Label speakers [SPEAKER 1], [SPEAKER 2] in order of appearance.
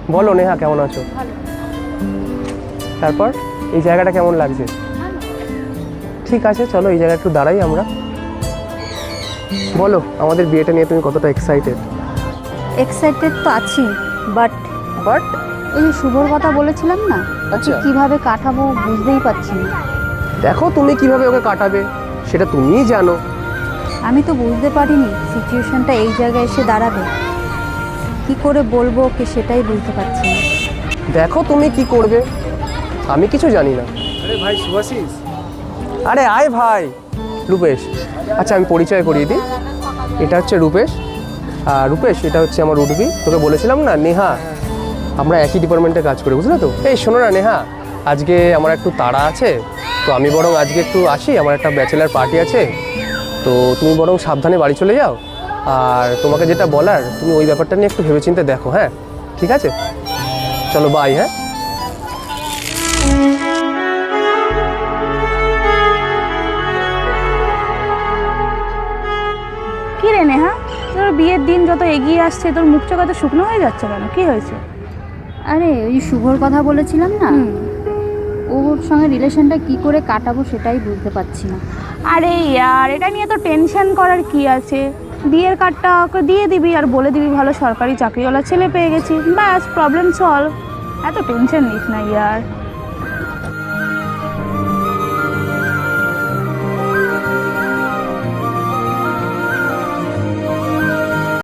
[SPEAKER 1] বলো নেহা, কেমন আছো? তারপর এই জায়গাটা কেমন লাগছে? ঠিক আছে, চলো এই জায়গায় একটু দাঁড়াই আমরা। বলো, আমাদের বিয়েটা নিয়ে তুমি কতটা এক্সাইটেড?
[SPEAKER 2] এক্সাইটেড তো আছি, বাট
[SPEAKER 1] বাট
[SPEAKER 2] এই যে শুভর কথা বলেছিলাম না,
[SPEAKER 1] আচ্ছা,
[SPEAKER 2] কিভাবে কাটাবো বুঝতেই পারছি না।
[SPEAKER 1] দেখো তুমি কিভাবে ওকে কাটাবে সেটা তুমিই জানো।
[SPEAKER 2] আমি তো বুঝতে পারিনি সিচুয়েশনটা এই জায়গায় এসে দাঁড়াবে। কি করে বলবো ওকে সেটাই বুঝতে পারছি না।
[SPEAKER 1] দেখো তুমি কি করবে, আমি কিছু জানি না।
[SPEAKER 3] আরে ভাই শুভাশিস,
[SPEAKER 1] আরে আয় ভাই। রূপেশ, আচ্ছা আমি পরিচয় করিয়ে দিই। এটা হচ্ছে রূপেশ, আর রূপেশ এটা হচ্ছে আমার উর্বি। তোকে বলেছিলাম না নেহা, আমরা একই ডিপার্টমেন্টে কাজ করি, বুঝলে তো? এই শোনো না নেহা, আজকে আমার একটু তাড়া আছে, তো আমি বরং আজকে একটু আসি, আমার একটা ব্যাচেলার পার্টি আছে, তো তুমি বরং সাবধানে বাড়ি চলে যাও। আর তোমাকে যেটা বলার তুমি ওই ব্যাপারটা নিয়ে একটু ভেবেচিন্তে দেখো, হ্যাঁ? ঠিক আছে, চলো বাই। হ্যাঁ,
[SPEAKER 4] কি রে নেহা, তোর বিয়ের দিন যত এগিয়ে আসছে তোর মুখ চোখ এত শুকনো হয়ে যাচ্ছে কেন? কি হয়েছে?
[SPEAKER 2] আরে ওই শুভর কথা বলেছিলাম না, ওর সঙ্গে রিলেশনটা কি করে কাটাবো সেটাই বুঝতে পারছি না।
[SPEAKER 4] আরে ইয়ার, এটা নিয়ে তো টেনশন করার কি আছে? বিয়ের কার্ডটা ওকে দিয়ে দিবি আর বলে দিবি ভালো সরকারি চাকরিওয়ালা ছেলে পেয়ে গেছি, ব্যাস প্রবলেম সলভ। এত টেনশন নিস না ইয়ার।